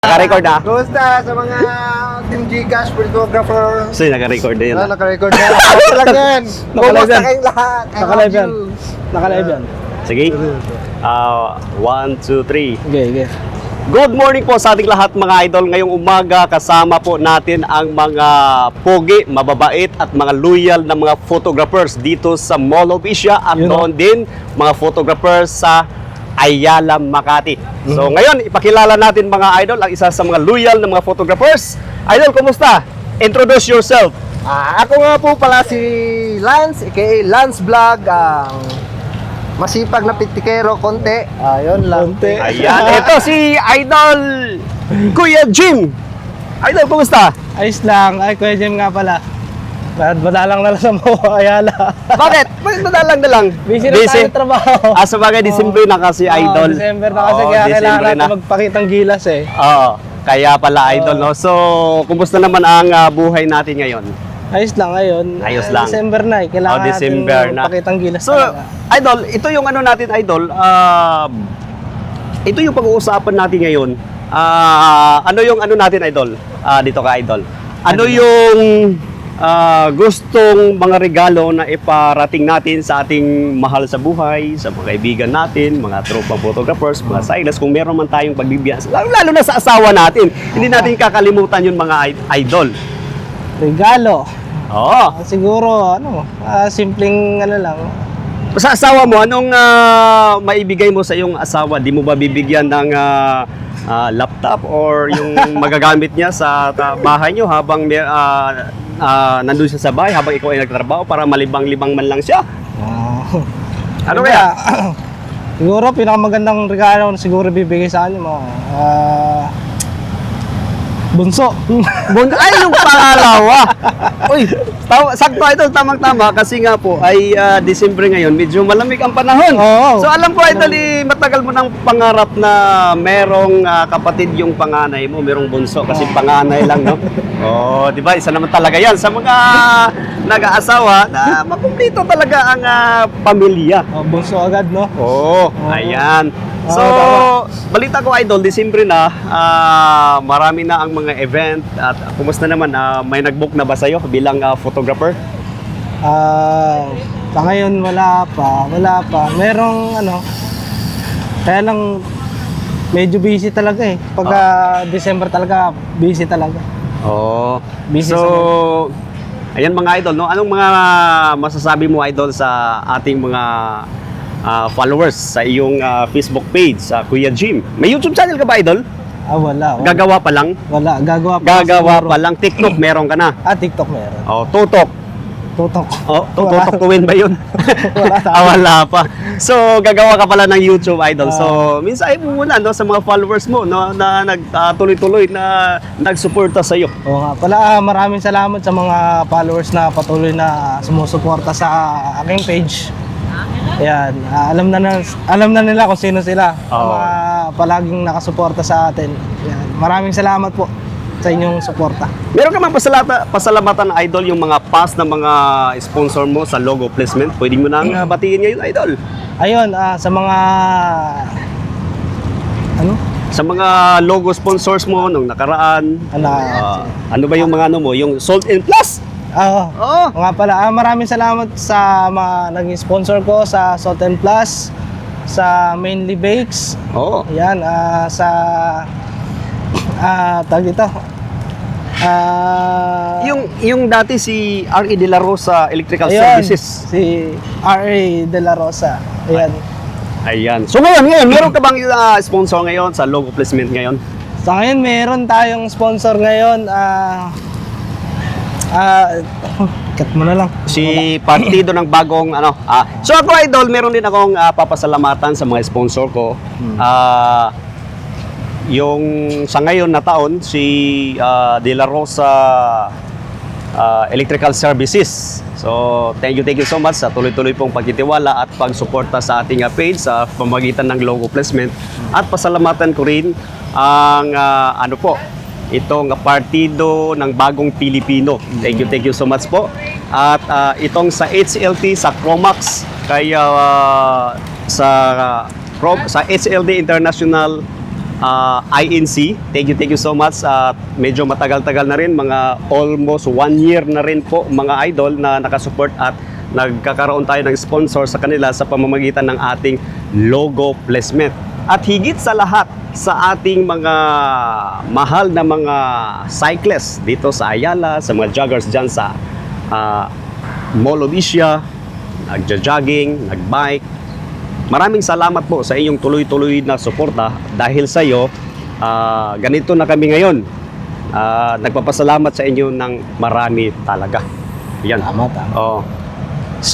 Naka-record na? Kumusta sa mga Team Gcash photographer? So, naka-record na yun. Naka-record na. Kumusta lang yan? Kumusta kayong lahat? I Naka-live love yan. you. Naka-live yan. Sige. 1, 2, 3. Okay. Good morning po sa ating lahat mga idol. Ngayong umaga kasama po natin ang mga pogi, mababait at mga loyal na mga photographers dito sa Mall of Asia at doon din mga photographers sa Ayala, Makati. So ngayon, ipakilala natin mga idol ang isa sa mga loyal na mga photographers. Idol, kumusta? Introduce yourself. Ako nga po pala si Lance, aka Lance Vlog. Masipag na pitikero, konti. Ayun lang. Konti. Ayan, ito si Idol Kuya Jim. Idol, kumusta? Ayos lang. Ay, Kuya Jim nga pala. Madalang na lang sa mga Ayala. Bakit? Bakit madalang na lang? Busy na tayo trabaho. Sa bagay, December na kasi, Idol. December na kasi, Oo, kaya December kailangan na. natin magpakitang gilas eh. Oo, kaya pala, Idol, no? So, kumusta naman ang buhay natin ngayon? Ayos lang ngayon. Ayos lang. December na eh. Kailangan December natin na. magpakitang gilas So, talaga. Idol, ito yung ano natin, Idol. Ito yung pag-uusapan natin ngayon. Ano yung ano natin, Idol? Dito ka, Idol. Ano yung gustong mga regalo na iparating natin sa ating mahal sa buhay, sa mga kaibigan natin, mga tropa photographers, mga silas, kung meron man tayong pagbibiyas, lalo na sa asawa natin. Hindi natin kakalimutan yung mga idol. Regalo. Oo. Siguro, simpleng lang. Sa asawa mo, anong maibigay mo sa iyong asawa? Di mo ba bibigyan ng laptop or yung magagamit niya sa bahay niyo habang nandun siya sa bahay, habang ikaw ay nagtatrabaho para malibang-libang man lang siya? Ano kaya? Siguro, pinakamagandang regalo na siguro bibigay sa kanya mo. Bunso. Ay, yung pangalawa! Uy, sakto ito, tamang-tama kasi nga po ay December ngayon, medyo malamig ang panahon. Oo. So alam ko, Idol, matagal mo ng pangarap na merong kapatid yung panganay mo, merong bunso kasi panganay lang, no? Oh, di ba? Isa naman talaga yan sa mga nag-aasawa na makumplito talaga ang pamilya. Bunso agad, no? Oo, ayan. So, balita ko, Idol, December na, marami na ang mga event at kumusta naman, may nag-book na ba sa'yo bilang photographer? Sa ngayon wala pa. Merong kaya lang medyo busy talaga eh. Pagka December talaga, busy talaga. Oo. Busy So, ayan mga idol, no? Anong mga masasabi mo, Idol, sa ating mga followers sa iyong Facebook page, sa Kuya Jim? May YouTube channel ka ba, Idol? Wala. Gagawa pa lang? Wala. Gagawa Gagawa siguro. pa lang. TikTok meron ka na? TikTok meron. Oh, tutok. Tutok. Oh, tutok tuwin ba yun? Wala pa. So, gagawa ka pala ng YouTube, Idol. So, minsan ay muna, no, sa mga followers mo, no, na nagtuloy-tuloy na nagsuporta sa iyo. Oo nga pala, maraming salamat sa mga followers na patuloy na sumusuporta sa aking page. Ayan, alam na nila kung sino sila. Mga palaging nakasuporta sa atin. Ayan, maraming salamat po sa inyong suporta. Meron ka mang pasalamatan, Idol, yung mga past na mga sponsor mo sa logo placement? Pwede mo nang batiin ngayon, Idol. Ayun, sa mga Sa mga logo sponsors mo nung nakaraan. Ano ba yung mga mo? Yung Salt and Plus? Oo. Nga pala, maraming salamat sa mga naging sponsor ko sa Salt and Plus, sa Mainly Bakes. Oo. Ayan, sa tawag dito. Yung dati si R.E. De La Rosa Electrical Ayun, Services. si R.A. De La Rosa. Ayan. Ayan. So ngayon, meron ka bang sponsor ngayon sa logo placement ngayon? Sa ngayon, meron tayong sponsor ngayon. Cut mo na lang. Si partido ng bagong So ako, Idol, meron din akong papasalamatan sa mga sponsor ko. Yung sa ngayon na taon, si De La Rosa Electrical Services. So, thank you so much sa tuloy-tuloy pong pagtitiwala at pagsuporta sa ating page sa pamamagitan ng logo placement. At pasalamatan ko rin ang itong partido ng bagong Pilipino. Thank you so much po. At itong sa HLT, sa Chromax, kaya sa HLD International INC. Thank you so much. Medyo matagal-tagal na rin, mga almost 1 year na rin po mga idol na nakasupport at nagkakaroon tayo ng sponsor sa kanila sa pamamagitan ng ating logo placement. At higit sa lahat, sa ating mga mahal na mga cyclists dito sa Ayala, sa mga joggers dyan sa Mall of Asia, nagja-jogging, nagbike. Maraming salamat po sa inyong tuloy-tuloy na suporta dahil sa iyo, ganito na kami ngayon. Nagpapasalamat sa inyo ng marami talaga. Yan. Tama. Oh. So,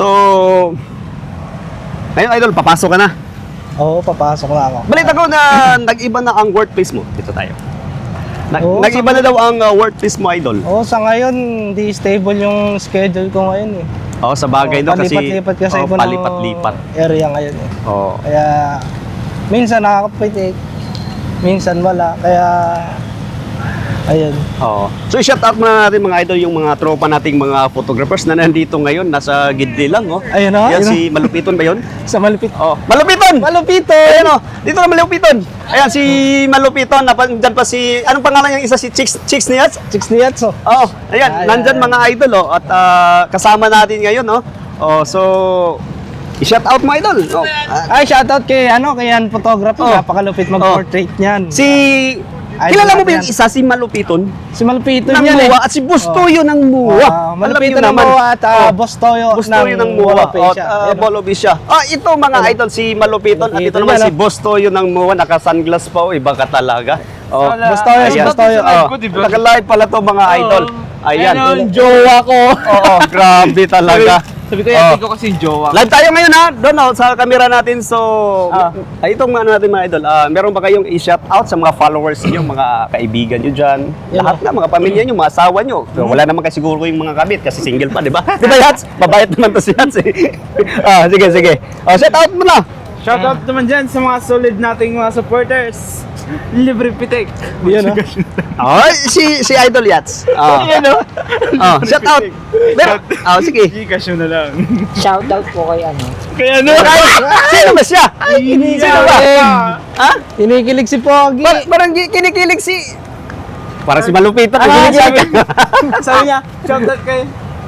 ngayon idol, papasok ka na. Oo, papasok na ako. Balita ko na nag-iba na ang workplace mo. Dito tayo. Oo, Nag-iba na daw ang workplace mo, idol. Oo, sa ngayon, hindi stable yung schedule ko ngayon eh. Oo, sa bagay daw kasi. Palipat-lipat kasi ako ng palipat-lipat. area ngayon eh. Oo. Kaya, minsan nakakapitik, minsan wala. Kaya, ayun. Oo. So, shout out muna natin mga idol yung mga tropa nating mga photographers na nandito ngayon. Nasa gidli lang, oh. Ayun o, Yan ayun si Malupiton ba yun? Sa Malupit. Oh, Malupiton! Malupito! Ayan oh, dito na Malupiton. Ayan si Malupiton, dyan pa si, anong pangalan yung isa si Chicks Nias? Chicks ni Yatso. Oo, ayan, Ayan. nandyan mga idol oh, at kasama natin ngayon oh. Oh, so i-shout out mo idol. Oh. Ay, shoutout kay, kay Yan Photography. Oh. Napakalupit mag-portrait niyan. Si kilala mo ba yung isa si Malupiton? Si Malupito Ng niyan eh. Muwa at si Bustoyo ng Muwa. Malupito ng Muwa at Boss Toyo Bustoyo ng Muwa at Bolobisya. Ito mga idol si Malupiton at ito Malupiton naman yan, si Bustoyo ng Muwa, naka-sunglass pa, iba ka talaga. Oh, Boss Toyo, si ayan. Boss Toyo. Naka-live pala to mga idol. Ayan. Ayun, jowa ko. Oo, grabe talaga. Sabi ko, yatin ko kasi jowa. Live tayo ngayon ha, doon sa camera natin. So, itong mga natin mga idol, meron ba kayong i-shout out sa mga followers niyo, mga kaibigan niyo dyan? Lahat na, mga pamilya niyo, mga asawa niyo. So, wala naman kasi siguro yung mga kabit kasi single pa, di ba? Di ba Yats? Babayat naman to si Yats eh. Sige. Shout out mo na. Shoutout naman dyan sa mga solid nating mga supporters. Libre pitik. Yan o. Si Idol Yats. Shout out. Sige. Gcash na lang. Shoutout po kay Kaya ano? Sino ba siya? Sino ba? Ha? Kinikilig si Pogi. Parang kinikilig si... Parang si Malupiton. Kinikilig. Sabi niya, shoutout kay...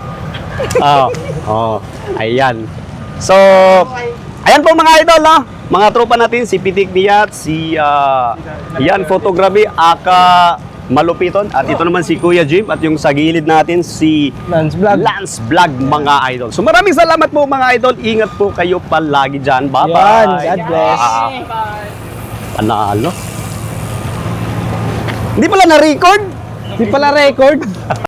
Ayan. So, ayan po mga idol, no? Mga tropa natin, si Pitik Diat, si Yan Photography, aka Malupiton, at ito naman si Kuya Jim, at yung sa gilid natin, si Lance Vlog. Lance Vlog, mga idol. So maraming salamat po mga idol. Ingat po kayo palagi dyan. Bye-bye. Yan, God bless. Panalo. Hindi pala na-record? Di pala record.